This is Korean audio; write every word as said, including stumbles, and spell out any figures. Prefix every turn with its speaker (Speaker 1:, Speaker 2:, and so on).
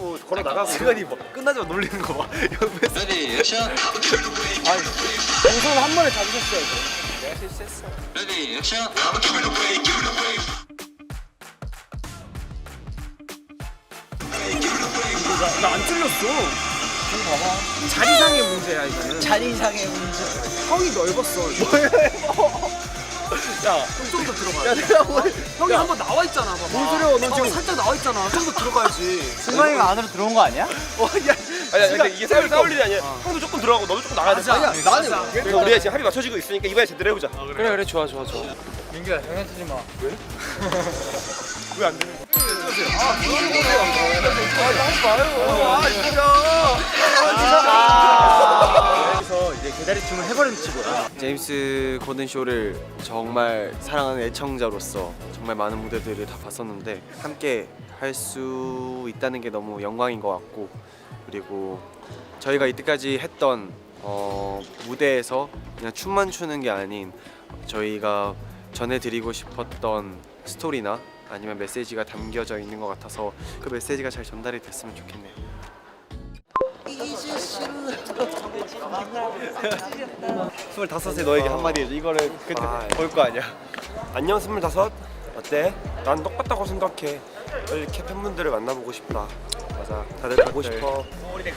Speaker 1: 하고 걸어 나가고.
Speaker 2: 승관이 뭐 끝나자마자 놀리는 거 봐. 옆에서.
Speaker 3: 레디 액션.
Speaker 1: 아니 동선 한 번에 잡으셨어야죠. 내가 실수했어.
Speaker 3: 레디 액션.
Speaker 1: 나 안 틀렸어. 이거 봐봐. 자리상의 문제야 이거는.
Speaker 4: 자리상의 문제.
Speaker 1: 형이 넓었어.
Speaker 2: 야,
Speaker 1: 좀 더 들어가야
Speaker 2: 야
Speaker 1: 돼.
Speaker 2: 내가 뭐?
Speaker 1: 형이 한 번 나와 있잖아. 봐봐.
Speaker 2: 뭔 소리야, 너
Speaker 1: 어,
Speaker 2: 지금.
Speaker 1: 살짝 나와 있잖아. 좀 더 들어가야지.
Speaker 4: 승관이가 안으로 들어온 거 아니야?
Speaker 2: 어, 야, 아니, 아니, 근데 이게 싸울 싸울 일이 아니야. 형도 조금 들어가고 너도 조금 나가야 돼.
Speaker 1: 맞아.
Speaker 2: 아니야, 나는.
Speaker 1: 맞아.
Speaker 2: 그러니까 우리가 지금 합이 맞춰지고 있으니까 이번에 제대로 해보자.
Speaker 1: 그래 그래 좋아 좋아 좋아.
Speaker 4: 민규야 장난치지 마.
Speaker 2: 왜 안 되는 거야? 아, 그러는 거세요. 아, 하지 마요. 아, 진짜. 아,
Speaker 4: 여기서 이제 개다리춤을 해버리는 치고요.
Speaker 5: 제임스 코든 쇼를 정말 사랑하는 애청자로서 정말 많은 무대들을 다 봤었는데 함께 할 수 있다는 게 너무 영광인 것 같고, 그리고 저희가 이때까지 했던 어, 무대에서 그냥 춤만 추는 게 아닌 저희가 전해드리고 싶었던 스토리나 아니면 메시지가 담겨져 있는 것 같아서 그 메시지가 잘 전달이 됐으면 좋겠네요.
Speaker 2: 스물다섯에 너에게 한마디 해줘. 이거를 그때 볼 거 아니야. 안녕 스물다섯. 어때? 난 똑같다고 생각해. 이렇게 팬분들을 만나보고 싶다. 맞아. 다들 보고 싶어.